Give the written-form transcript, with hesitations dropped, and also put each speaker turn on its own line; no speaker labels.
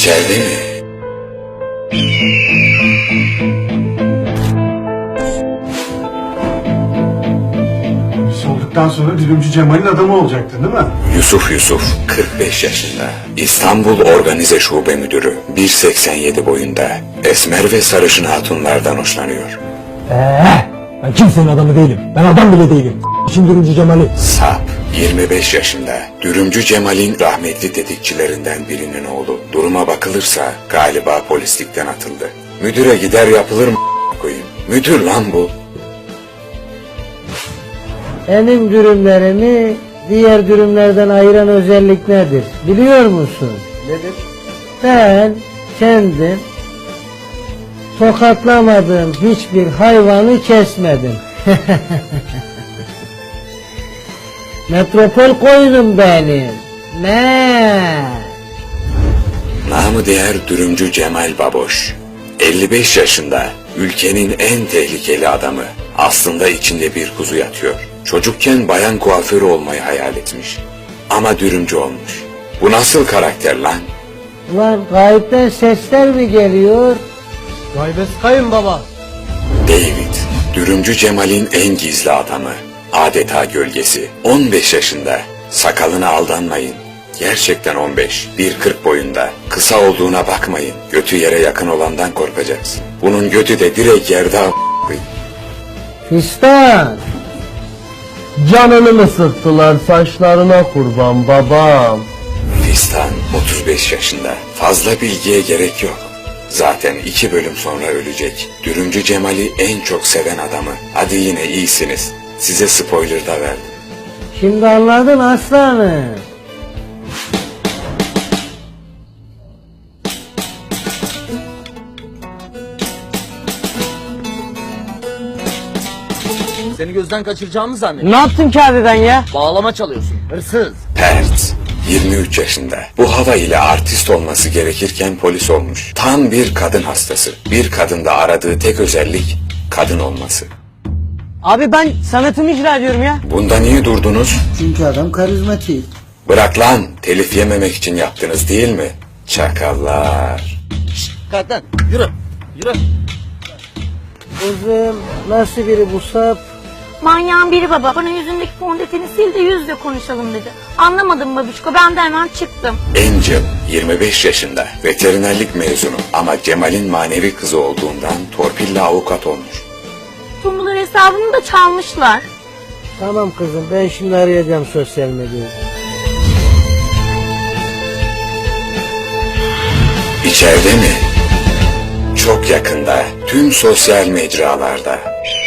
İçeride mi?
Olduktan sonra Dürümcü Cemal'in adamı olacaktın değil mi?
Yusuf 45 yaşında. İstanbul Organize Şube Müdürü. 1.87 boyunda. Esmer ve sarışın hatunlardan hoşlanıyor.
Ben kimsenin adamı değilim. Ben adam bile değilim. Şimdi Dürümcü Cemal'i.
Sap. 25 yaşında. Dürümcü Cemal'in rahmetli tetikçilerinden birinin oğlu. Duruma bakılırsa galiba polislikten atıldı. Müdüre gider yapılır mı koyayım? Müdür lan bu.
Benim dürümlerimi diğer dürümlerden ayıran özellik nedir? Biliyor musun?
Nedir?
Ben kendim tokatlamadığım hiçbir hayvanı kesmedim. Metropol koyunum benim. Ne?
Namı değer Dürümcü Cemal Baboş. 55 yaşında, ülkenin en tehlikeli adamı. Aslında içinde bir kuzu yatıyor. Çocukken bayan kuaförü olmayı hayal etmiş. Ama dürümcü olmuş. Bu nasıl karakter lan?
Ulan gayipten sesler mi geliyor?
Gaybes kayınbaba.
David, Dürümcü Cemal'in en gizli adamı. Adeta gölgesi. 15 yaşında. Sakalına aldanmayın. Gerçekten 15. 1.40 boyunda. Kısa olduğuna bakmayın. Götü yere yakın olandan korkacaksın. Bunun götü de direkt yerde
Fistan!
Canını mı sıktılar saçlarına kurban babam?
Fistan 35 yaşında. Fazla bilgiye gerek yok. Zaten 2 bölüm sonra ölecek. Dürümcü Cemal'i en çok seven adamı. Hadi yine iyisiniz. Size spoiler da verdim.
Şimdi anladın aslanım.
Seni gözden kaçıracağımı zannediyorum.
Ne yaptın ki abi ben ya?
Bağlama çalıyorsun. Hırsız.
Pert, 23 yaşında. Bu hava ile artist olması gerekirken polis olmuş. Tam bir kadın hastası. Bir kadında aradığı tek özellik kadın olması.
Abi ben sanatımı icra ediyorum ya.
Bunda niye durdunuz?
Çünkü adam karizmatik.
Bırak lan, telif yememek için yaptınız değil mi? Çakallar.
Kalk lan. Yürü. Yürü.
Kızım nasıl biri bu sap?
Manyağın biri baba. Bana yüzündeki fondöteni sil de yüzle konuşalım dedi. Anlamadım babişko. Ben de hemen çıktım.
Angel, 25 yaşında. Veterinerlik mezunu ama Cemal'in manevi kızı olduğundan torpille avukat olmuş.
Tumbular hesabını da çalmışlar.
Tamam kızım ben şimdi arayacağım sosyal medyayı.
İçeride mi? Çok yakında, tüm sosyal mecralarda.